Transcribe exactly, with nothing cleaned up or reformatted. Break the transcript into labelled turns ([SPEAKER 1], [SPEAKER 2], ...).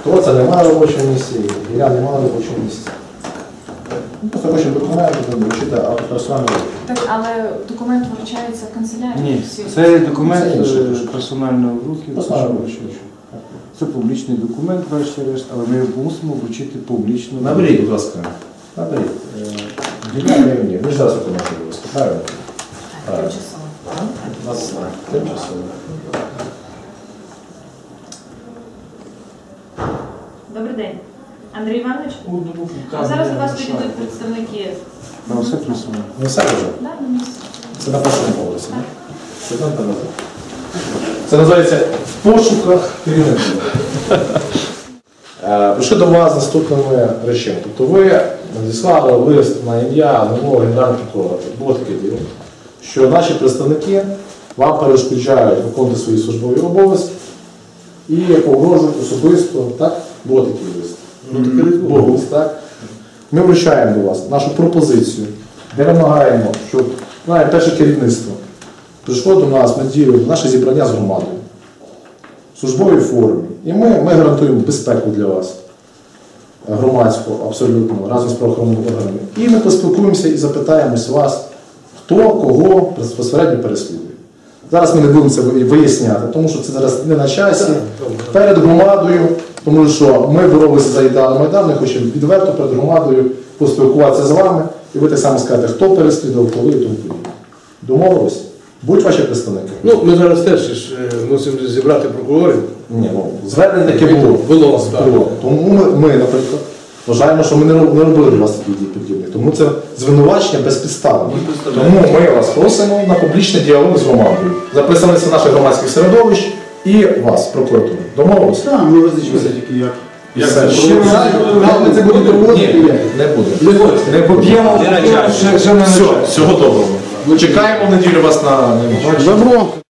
[SPEAKER 1] Хто це немає на робочому місці, я немає на робочому місці. Ну, просто хочемо документи, вручити персональну.
[SPEAKER 2] Так, але документ вручається в канцелярії?
[SPEAKER 3] Ні,
[SPEAKER 2] Всі-
[SPEAKER 3] це документ
[SPEAKER 1] Це інше.
[SPEAKER 3] е, персонального в руки.
[SPEAKER 1] Персонального в руки.
[SPEAKER 3] Це публічний документ, врешті-решт, але ми його мусимо вручити публічно.
[SPEAKER 1] Наберіть, будь ласка. Наберіть. Геніальний мені. Ви ж зараз виконуєте, будь ласка. Правильно?
[SPEAKER 2] Так, тимчасово.
[SPEAKER 1] У нас тимчасово.
[SPEAKER 2] Добрий день. Андрій Іванович? А зараз до вас підійдуть представники.
[SPEAKER 3] На все присутнє.
[SPEAKER 1] Не все вже?
[SPEAKER 2] Да, на місці.
[SPEAKER 1] Це на першому поверсі. Це там там. Це називається в пошуках керівників. Е, Прийшли до вас з наступними речами. Тобто ви надіслали лист на ім'я нового генерального прокурора. Було таке діло, що наші представники вам перешкоджають виконувати свої службові обов'язки і погрожують особисто. Так? Було такий лист.
[SPEAKER 3] Ну, таке лист було.
[SPEAKER 1] Був лист, так? Ми вручаємо до вас нашу пропозицію, де вимагаємо, щоб навіть перше керівництво прийшло до нас на дію, наше зібрання з громадою в службовій формі. І ми, ми гарантуємо безпеку для вас, громадську, абсолютно, разом з правоохоронними органами. І ми поспілкуємося і запитаємось вас, хто кого безпосередньо переслідує. Зараз ми не будемо це виясняти, тому що це зараз не на часі. Перед громадою, тому що ми боролися за ідеал Майдану, ми хочемо відверто перед громадою поспілкуватися з вами, і ви так само скажете, хто переслідував, коли і тому подібне. Домовились? Будь ваші представники.
[SPEAKER 4] Ну, ми зараз теж ж, е, мусимо зібрати прокурорів.
[SPEAKER 1] Ні, ну, звернення таке було.
[SPEAKER 4] Було, так.
[SPEAKER 1] Було. Тому ми, ми, наприклад, вважаємо, що ми не роб- не робили для вас таких дій подібних. Тому це звинувачення безпідставне. Тому ми вас просимо на публічний діалог з громадою. Записалися наших громадських середовищ і вас, прокуратури. Домовилися?
[SPEAKER 5] Так, ми визначимося тільки як.
[SPEAKER 1] Як
[SPEAKER 5] це
[SPEAKER 1] це?
[SPEAKER 5] Ми це будемо проводити?
[SPEAKER 1] Ні, не буде. Не поп'ємо. Все, всього доброго. Чекаємо в неділю вас на...
[SPEAKER 5] Добро.